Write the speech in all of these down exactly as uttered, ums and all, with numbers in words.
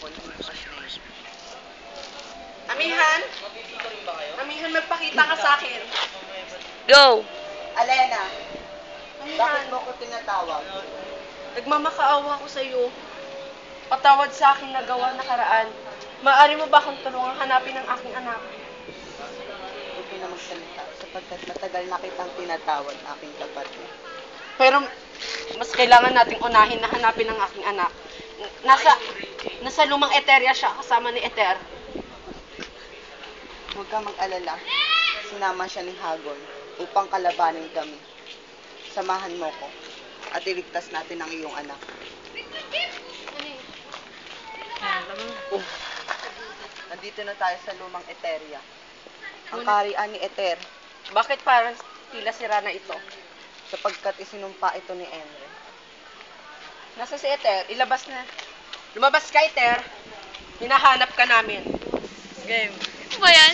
Amihan? Amihan, magpakita ka sa akin. Go! Alena, bakit Amihan, mo ko tinatawag? nagmamakaawa ko sa iyo. Patawad sa aking nagawa nakaraan. Maaari mo ba akong tulungan hanapin ang aking anak? Huwag ka na magsalita sapagkat matagal na kitang tinatawad, aking kapatid. Pero mas kailangan nating unahin na hanapin ang aking anak. Nasa nasa lumang eterya siya kasama ni Eter. Huwag ka mag-alala. Sinama siya ni Hagon upang kalabanin kami. Samahan mo ko at iligtas natin ang iyong anak. Oh. Nandito na tayo sa lumang eterya. Ang kaharian ni Eter, Bakit parang tila sira na ito? sapagkat isinumpa ito ni Enre. Nasa si Eter, ilabas na. Lumabas ka, Eter. Hinahanap ka namin. Game. Ano ba yan?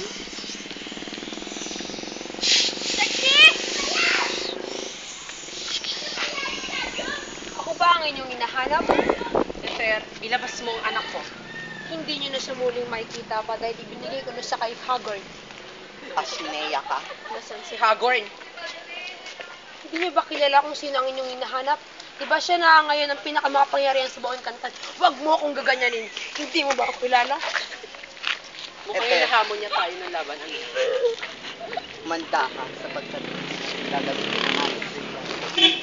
Ako ba ang inyong hinahanap? Eter, ilabas mo ang anak ko. Hindi nyo na siya muling makikita pa dahil ibinigay ko na siya kay Haggard. Ashineya ka. Nasaan si Hagorn? Hindi nyo ba kilala kung sino ang inyong hinahanap? Diba siya na ngayon ang pinakamakapangyarihan sa buong kantan? Huwag mo akong gaganyanin. Hindi mo ba ako kilala? Mukhang Eter. hinahamon niya tayo ng laban. Ano? Manda ka sapagkat gagamitin ang ating bigyan.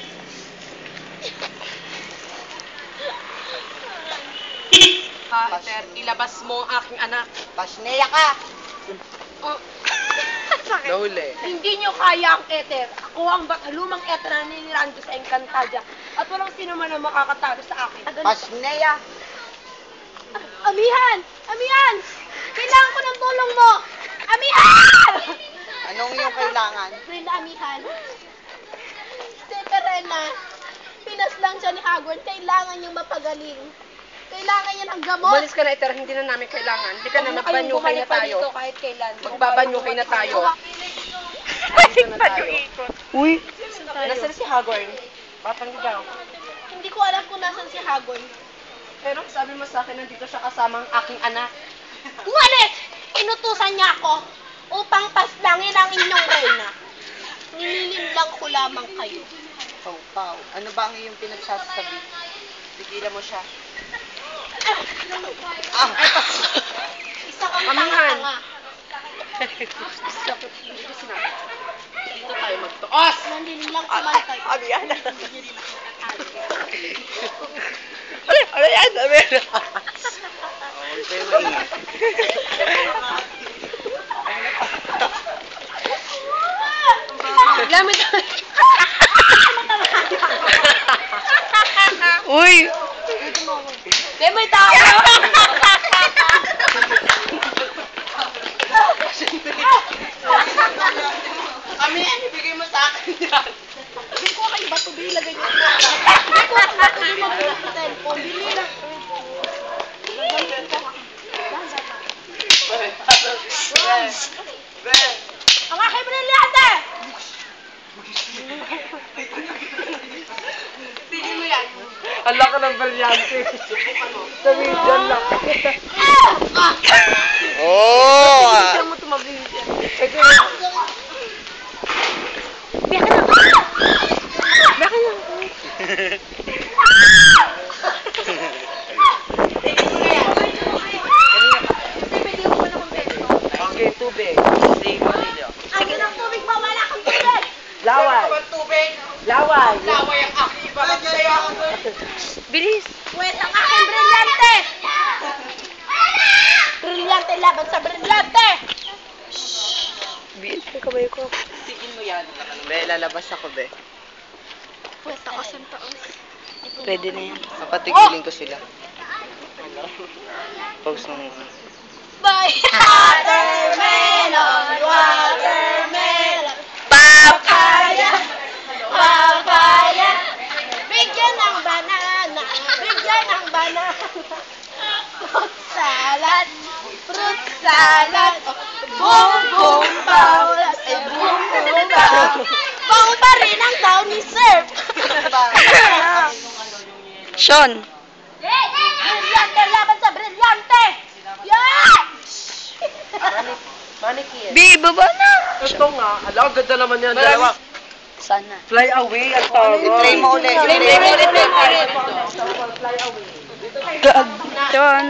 Ha, Eter, ilabas mo ang aking anak. Pashineya ka! Oh. Sakit. Nahuli. Hindi nyo kaya ang Ether. Ako ang bakalumang Ether na niniraan ko sa Encantadia. At walang sino man ang makakatalo sa akin. Pashineya! Amihan! Amihan! Kailangan ko ng tulong mo! Amihan! Anong iyong kailangan? Brenda, Amihan. Si Perena, pinas lang siya ni Hagrid. Kailangan niyang mapagaling. Kailangan niya ng gamot. Umalis ka na, Eter. Hindi na namin kailangan. Hindi ka na, Huwag kayong magbanyukay bumalik na pa tayo. dito kahit kailan. Magbabanyukay na tayo. Balik na pa tayo. yung ikot. Uy! Nasaan si Hagorn? Batang ligaw. Hindi ko alam kung nasan si Hagrid. Pero sabi mo sa akin, nandito siya kasama ang aking anak. Umalis! Inutusan niya ako upang paslangin ang inyong reyna. Nililim lang ko lamang kayo. Pau, pau. Ano ba ang iyong pinagsasabi? Tigilan mo siya. Ah! Isa kang Amihan. tanga-tanga. Dito sinabi. Dito tayo magtuos! Nandun lang kumantay. Ano yan? Ano? Ano yan? Sabi na. Huwag kayo maingat. Gamit Uy! Di may tao! Kami, ibigay mo sa akin yan. Hindi ko kayo bato, bilagay niyo. Hindi ko kayo bato, bilagay niyo sa cellphone. Bili lang. Ang aking brilyante! Pili mo yan. Ala ka ng brilyante. Sabi dyan lang. Oh! Saan mo tumabilis yan? Okay, tubig. Akin ang tubig pa, wala kang tubig! Laway. Ang tubig. Laway. Laway ang aking ibalat sa'yo. Bilis! Pwes ang aking brilyante! Brilyante laban sa brilyante! Bilis yung kamay ko. Tigin mo yan. Be, lalabas ako, be. Pwes ang aking taos. Pwede na yan. Papatigilin ko sila. Pause na muna. By watermelon, watermelon, Papaya! papaya, bigyan ng banana, bigyan ng banana, fruit salad, fruit salad, boom boom baulas, eh boom boom bow, bang pa rin ang tao ni Sir. Sean! Brilyante laban sa brilyante! Manik Manikin. Bi, baba na! Ito nga. Ala, ganda naman yan. Marami- Dalawa. Sana. Fly away, ang tawag. Play mo ulit. Play Play mo ulit. Play mo ulit. Fly away. John.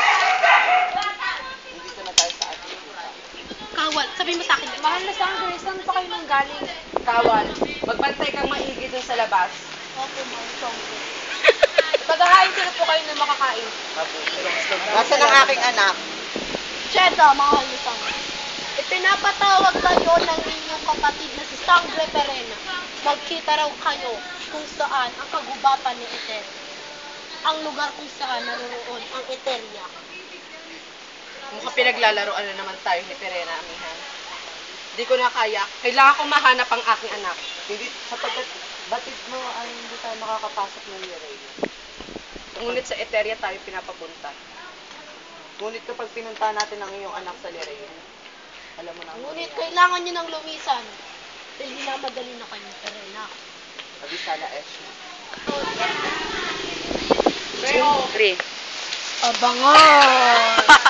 Dito na tayo sa ating kita. Kawal, sabi mo sa akin, mahal na Sangre, saan pa kayo nang galing? Kawal. Magbantay kang maigi dun sa labas. Opo, mahal Sangre. Paghahain sila po kayo na makakain. Nasaan ang aking anak? Cheta, mahal na Sangre. Ipinapatawag kayo ng inyong kapatid na si Sangre Perena. Magkita raw kayo kung saan ang kagubatan ni Eter. Ang lugar kung saan naroon ang Eteria. Mukhang pinaglalaroan na naman tayo ni Perena, amihan. Hindi ko na kaya. Kailangan ko mahanap ang aking anak. Hindi, sapagkat batid mo ay hindi tayo makakapasok ng liray. Ngunit sa Eteria tayo pinapapunta. Ngunit kapag pinunta natin ang iyong anak sa liray, alam mo na ang Ngunit mangyayari. kailangan nyo ng lumisan. Dahil minamadali na kayo, Perena. Abisala Esh. Siyempre. Abangan!